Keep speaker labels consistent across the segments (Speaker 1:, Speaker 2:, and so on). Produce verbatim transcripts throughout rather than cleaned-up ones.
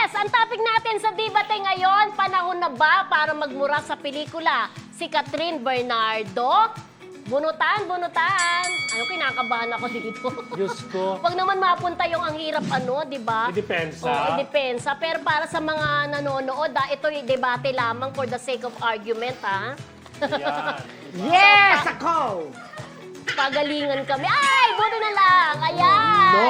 Speaker 1: Yes! Ang topic natin sa debate ngayon, panahon na ba para magmura sa pelikula? Si Catherine Bernardo, bunutan, bunutan. Ano, kinakabahan ako dito.
Speaker 2: Diyos ko.
Speaker 1: Wag naman mapunta yung ang hirap ano, di ba?
Speaker 2: Idepensa.
Speaker 1: Oo, idepensa. Pero para sa mga nanonood, ah, ito yung debate lamang for the sake of argument, ha?
Speaker 2: Yan.
Speaker 3: Yes, ako!
Speaker 1: Pagalingan kami. Ay, buti na lang. Ayan.
Speaker 2: No.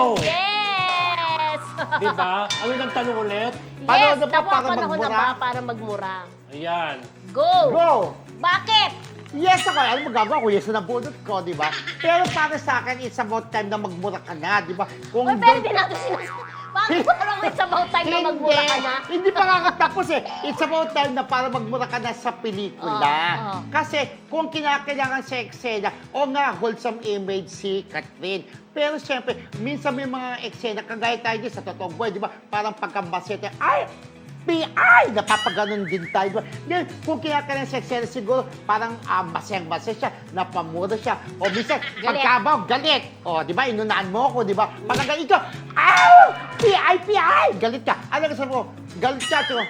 Speaker 1: Yes.
Speaker 2: Diba? Ano nang tanong ulit?
Speaker 1: yes,
Speaker 3: Panahon na ba
Speaker 1: tama,
Speaker 3: para
Speaker 1: panahon na
Speaker 3: magmura?
Speaker 1: ba para magmura?
Speaker 2: Ayan.
Speaker 1: Go.
Speaker 3: Go!
Speaker 1: Bakit?
Speaker 3: Yes ako, alam mo gagawa ko, yes na nabunot ko, di ba? Pero para sa akin, it's about time na magmura ka na, di ba? Kung
Speaker 1: Uy, pero di natin sinasabi. Bakit parang it's about time na magmura ka na?
Speaker 3: Hindi pa kakatapos eh. It's about time na para magmura ka na sa pelikula.
Speaker 1: Oh, oh.
Speaker 3: Kasi kung kinakailangan sa eksena, o nga, wholesome image si Catherine. Pero siyempre, minsan may mga eksena, kagaya tayo din sa totoong buhay, di ba? Parang pagkambasete, ay, P I! Napapaganon din tayo. Ngayon, kung kinakailangan sa eksena, siguro parang uh, masayang-masaya siya, napamura siya. O minsan,
Speaker 1: Galit.
Speaker 3: pagkabaw, galit. O, di ba, inunaan mo ako, di ba? Pagkaga ikaw, aw! P I, P I! Galit ka. Ano ka sabi mo? Galit ka. So,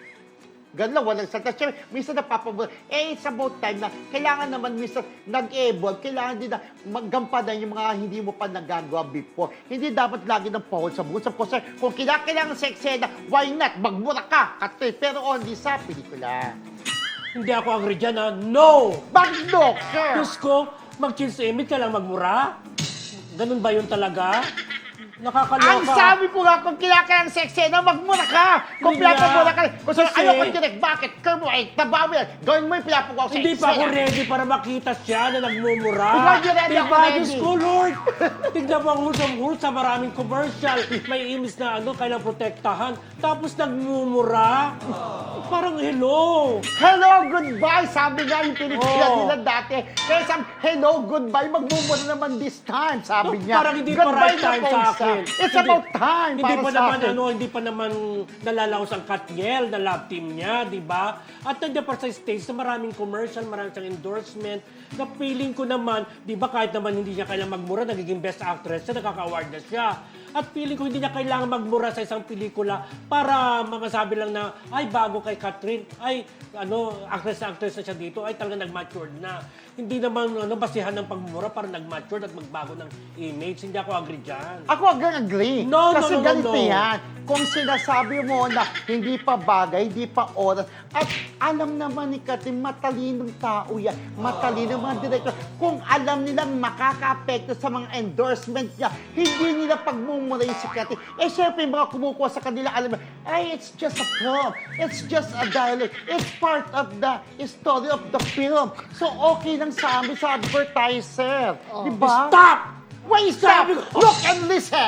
Speaker 3: ganun lang, walang salita. Siyempre, minsan napapamura. Eh, it's about time na kailangan naman minsan nag-evolve. Kailangan din na maggampanan yung mga hindi mo pa nagagawa before. Hindi dapat lagi ng pahol sa buhol. Kasi kung kinakailangan sa eksena, why not? Magmura ka, Katrin. Pero only sa pelikula.
Speaker 2: Hindi ako agree dyan, ha? No!
Speaker 3: Bakit no, sir?
Speaker 2: Diyos ko, mag-change image ka lang magmura? Ganun ba yun talaga? Nakakaloka.
Speaker 3: Ang sabi ko nga, kung kinakailangan sa eksena, magmura ka. Kung
Speaker 2: Hindi nga.
Speaker 3: pinapamura ka. Kung saan,
Speaker 2: Kasi-
Speaker 3: ayoko direct, bakit? Kaya mo, eh, tabaw mo yan. Gawin mo yung pinapagawa sa
Speaker 2: Hindi pa ako
Speaker 3: eksena.
Speaker 2: ready para makita siya na nagmumura.
Speaker 3: Ikaw hindi ready, ako
Speaker 2: Diba?
Speaker 3: ready.
Speaker 2: Diyos ko, Lord! Tignan mo ang hulsam-hul sa maraming commercial. May image na ano, kailang protektahan. Tapos nagmumura. Parang hello.
Speaker 3: Hello, goodbye! Sabi nga yung pelikula
Speaker 2: Oh.
Speaker 3: nila dati. Kaya sabi, hello, goodbye, magmumura naman this time, sabi niya.
Speaker 2: Parang hindi pa
Speaker 3: Goodbye
Speaker 2: right
Speaker 3: na
Speaker 2: time
Speaker 3: po
Speaker 2: sa
Speaker 3: isa.
Speaker 2: akin.
Speaker 3: It's
Speaker 2: Hindi-
Speaker 3: about time
Speaker 2: Hindi
Speaker 3: para
Speaker 2: pa
Speaker 3: sa
Speaker 2: naman
Speaker 3: akin.
Speaker 2: ano, hindi pa naman nalalaos ang Katniel na love team niya, di ba? At nandiyan pa sa stage na maraming commercial, maraming siyang endorsement. Na feeling ko naman, di ba kahit naman hindi niya kailangan magmura, nagiging best actress siya, nakaka-award na siya. At feeling ko hindi niya kailangan magmura sa isang pelikula para masabi lang na, ay bago kay Catherine, ay ano, actress na actress na siya dito, ay talaga nag-matured na. Hindi naman ano, basihan ng pagmura para nag-matured at magbago ng image. Hindi ako agree dyan.
Speaker 3: Ako agad agree.
Speaker 2: No, no,
Speaker 3: Kasi
Speaker 2: no, no,
Speaker 3: ganito
Speaker 2: no.
Speaker 3: yan. Kung sinasabi mo na hindi pa bagay, hindi pa oras, at alam naman ni Katrin, matalinong tao yan. Matalinong mga director. Kung alam nilang makaka-apekto sa mga endorsement niya, hindi nila pagmumura yung si Katrin. Eh, syempre, yung mga kumukuha sa kanila, alam mo, ay, it's just a film. It's just a dialogue. It's part of the story of the film. So, okay lang sa amin, sa advertiser.
Speaker 1: Oh.
Speaker 3: Di ba?
Speaker 2: Stop!
Speaker 3: Why stop?
Speaker 2: Sabi ko-
Speaker 3: Look and listen!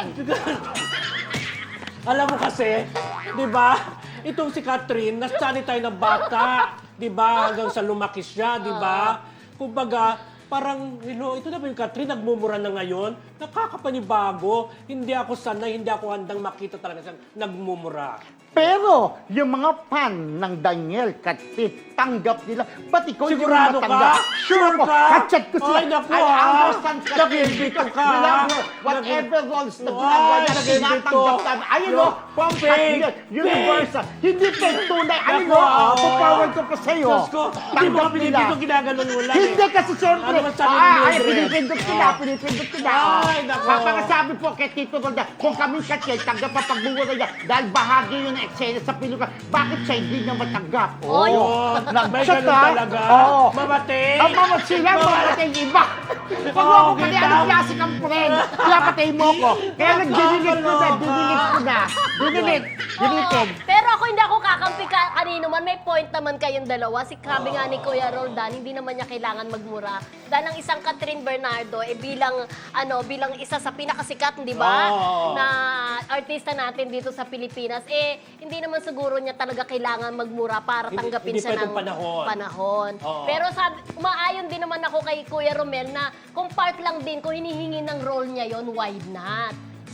Speaker 2: Alam mo kasi, di ba, itong si Catherine, nasanay tayo ng bata, di ba, hanggang sa lumaki siya, di ba? Kumbaga, parang, you know, ito na ba yung Catherine, nagmumura na ngayon, nakakapanibago, hindi ako sanay, hindi ako handang makita talaga siyang nagmumura.
Speaker 3: Pero, yung mga fan ng Daniel Catrin, tanggap nila. Ba't ikaw hindi mo
Speaker 2: Sigurado
Speaker 3: matanggap?
Speaker 2: ka?
Speaker 3: Sure
Speaker 2: Sure
Speaker 3: ko.
Speaker 2: ka?
Speaker 3: Kachat ko sila.
Speaker 2: Ay, naku,
Speaker 3: I
Speaker 2: ah.
Speaker 3: understand Catrin.
Speaker 2: Nag-invito ka,
Speaker 3: We love
Speaker 2: ah.
Speaker 3: her. Whatever roles na
Speaker 2: Ay,
Speaker 3: ginagawa niya,
Speaker 2: nag-invito.
Speaker 3: tinatanggap namin. Ayun
Speaker 2: No,
Speaker 3: o, from
Speaker 2: fake,
Speaker 3: Catrin, Universal. Hindi fake tunay. Ayun
Speaker 2: Naku,
Speaker 3: o,
Speaker 2: ah.
Speaker 3: pupower ko pa sa'yo.
Speaker 2: Diyos ko, hindi mo
Speaker 3: Tanggap
Speaker 2: ka pinipito,
Speaker 3: nila.
Speaker 2: ginaganon mo lang
Speaker 3: Hindi
Speaker 2: eh.
Speaker 3: kasi siyempre,
Speaker 2: Ano ba sabi ni
Speaker 3: ah, ay,
Speaker 2: Mildred?
Speaker 3: pinipindot sila,
Speaker 2: Ah.
Speaker 3: pinipindot sila.
Speaker 2: Ay, nako.
Speaker 3: Papakasabi po kay Tito Rolda, kung kaming Catrin, tanggap pa pagbumura niya dahil bahagi yun ng eksena sa pelikula, bakit siya hindi niya matanggap?
Speaker 1: Oy.
Speaker 2: Oo, may
Speaker 3: Nag-chat,
Speaker 2: ganun
Speaker 3: ah.
Speaker 2: talaga.
Speaker 3: Oo.
Speaker 2: Mamatay.
Speaker 3: Ang mga sila, mamatay yung iba. Pag
Speaker 2: Oo,
Speaker 3: ako pati
Speaker 2: kita.
Speaker 3: anong klase kang friend, kaya patay mo ko. Kaya nag-dinilit ko na, dinilit ko na. Dinilit, dinilit.
Speaker 1: Pero ako hindi ako kakampi ka kanino man. May point naman kayong dalawa. Si sabi nga ni Kuya Roldan, hindi naman niya kailangan magmura. Dahil ang isang Catherine Bernardo, eh bilang, ano, bilang isa sa pinakasikat, di ba?
Speaker 2: Oo.
Speaker 1: Na artista natin dito sa Pilipinas, eh, hindi naman siguro niya talaga kailangan magmura para
Speaker 2: Hindi-
Speaker 1: tanggapin
Speaker 2: hindi
Speaker 1: siya
Speaker 2: pwedeng
Speaker 1: ng
Speaker 2: panahon.
Speaker 1: panahon.
Speaker 2: Oo.
Speaker 1: Pero sabi, umaayon din naman ako kay Kuya Romel na kung part lang din, kung hinihingi ng role niya yon, why not? So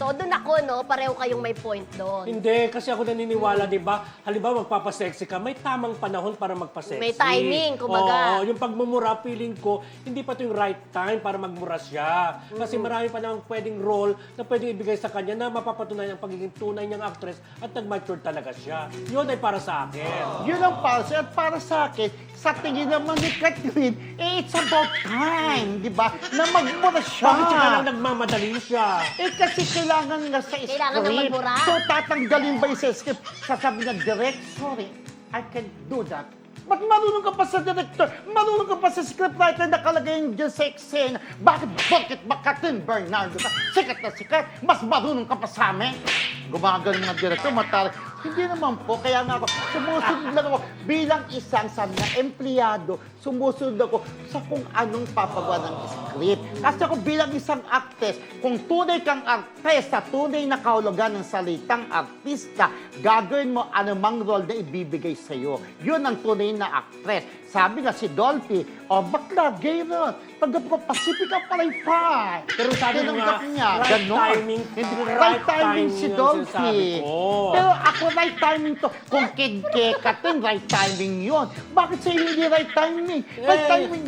Speaker 1: So, doon ako, no, pareho kayong may point doon.
Speaker 2: Hindi, kasi ako naniniwala, di ba? Halimbawa, magpapasexy ka, may tamang panahon para magpasexy.
Speaker 1: May timing, kumbaga.
Speaker 2: Oo, yung pagmumura, feeling ko, hindi pa ito yung right time para magmura siya. Kasi marami pa namang pwedeng role na pwedeng ibigay sa kanya na mapapatunayan ang pagiging tunay niyang actress at nag-mature talaga siya. Yun ay para sa akin.
Speaker 3: Yun ang para sa, at para sa akin, sa tingin naman ni Catherine, eh, it's about time, di ba? Na magmura siya.
Speaker 2: Bakit siya lang nagmamadali siya?
Speaker 3: Eh, kasi kailangan nga sa script.
Speaker 1: Kailangan na magbura.
Speaker 3: So, tatanggalin ba yung sa script? Sasabi na, direct, sorry, I can do that. Ba't marunong ka pa sa director? Marunong ka pa sa scriptwriter na nakalagay dyan sa eksena? Bakit, bakit ba Catherine Bernardo ka? Sikat na sikat, mas marunong ka pa sa amin? Gumagaling na director, matari. Hindi naman po, kaya nga ako, sumusunod lang ako bilang isang sabi na empleyado, sumusunod ako sa kung anong papagawa ng script. Kasi ako bilang isang actress, kung tunay kang artista, tunay na kahulugan ng salitang artista, gagawin mo anumang role na ibibigay sa'yo. Yun ang tunay na actress. Sabi nga si Dolphy, oh, bakla, gay ron. Tanggap ko, Pacifica Palaypay.
Speaker 2: Pero sabi mo nga,
Speaker 3: Tinanggap niya,
Speaker 2: right
Speaker 3: ganon.
Speaker 2: timing,
Speaker 3: Hindi,
Speaker 2: right
Speaker 3: right timing
Speaker 2: timing
Speaker 3: si
Speaker 2: yun
Speaker 3: Dolphy.
Speaker 2: sinasabi ko.
Speaker 3: Pero ako, right timing to. Kung kid Katin, right timing yun. Bakit sa'yo hindi right timing? Right
Speaker 2: Eh,
Speaker 3: timing.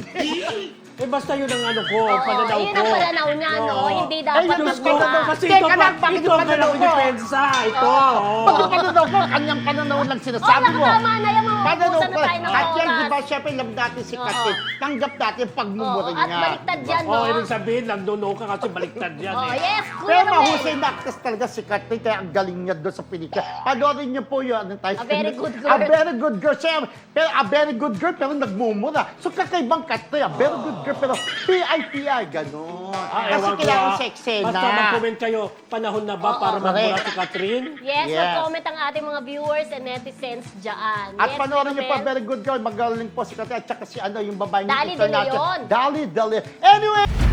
Speaker 2: Eh, basta yun ang ano ko,
Speaker 1: Oo,
Speaker 2: pananaw ko.
Speaker 1: yun ang pananaw niya, no?
Speaker 2: Oo.
Speaker 1: Hindi dapat
Speaker 3: Ayun,
Speaker 2: Diyos ko,
Speaker 1: magmura.
Speaker 2: kasi
Speaker 3: Teka
Speaker 2: ito pa,
Speaker 3: lang, bakit
Speaker 2: ito
Speaker 3: yung
Speaker 2: ang
Speaker 3: pananaw
Speaker 2: kailangan
Speaker 3: mo?
Speaker 2: depensa. Ito. oo.
Speaker 3: Pag yung pananaw ko, kanyang pananaw lang
Speaker 1: Oo,
Speaker 3: sinasabi mo.
Speaker 1: tama na yung mga
Speaker 3: Pananaw
Speaker 1: ubusan na
Speaker 3: ko.
Speaker 1: tayo ng
Speaker 3: At yan,
Speaker 1: oras.
Speaker 3: di ba, syempre, alam natin si
Speaker 1: Oo.
Speaker 3: Katin. Tanggap natin pagmumura
Speaker 1: Oo, at
Speaker 3: niya.
Speaker 1: baliktad
Speaker 3: Diba?
Speaker 1: yan, no?
Speaker 2: Oh, ibig sabihin, nagdono ka kasi baliktad yan
Speaker 1: Oh,
Speaker 2: eh.
Speaker 1: yes, Kuya
Speaker 3: Pero
Speaker 1: Romel.
Speaker 3: mahusay na actress talaga si Katin, kaya ang galing niya doon sa pelikula. Panoorin niyo po yun. Anong tayo?
Speaker 1: A very good girl.
Speaker 3: A very good girl. Siya, pero a very good girl, pero nagmumura. So, kakaibang Katin. A very good girl, pero P I P I, gano'n.
Speaker 2: Ah,
Speaker 3: Kasi
Speaker 2: ewan ko,
Speaker 3: kailangan
Speaker 2: ah.
Speaker 3: sa eksena.
Speaker 2: Basta mag-comment kayo, panahon na ba
Speaker 1: Oo,
Speaker 2: para magmura
Speaker 3: correct.
Speaker 2: si Catherine?
Speaker 1: Yes,
Speaker 3: Yes.
Speaker 1: mag-comment ang ating mga viewers and netizens dyan.
Speaker 3: At
Speaker 1: yes,
Speaker 3: panoorin niyo pa,
Speaker 1: Romel.
Speaker 3: very good girl. Magaling po si Katin. At saka si ano, yung babae niya.
Speaker 1: Dali De Leon.
Speaker 3: Dali De Leon. Anyway,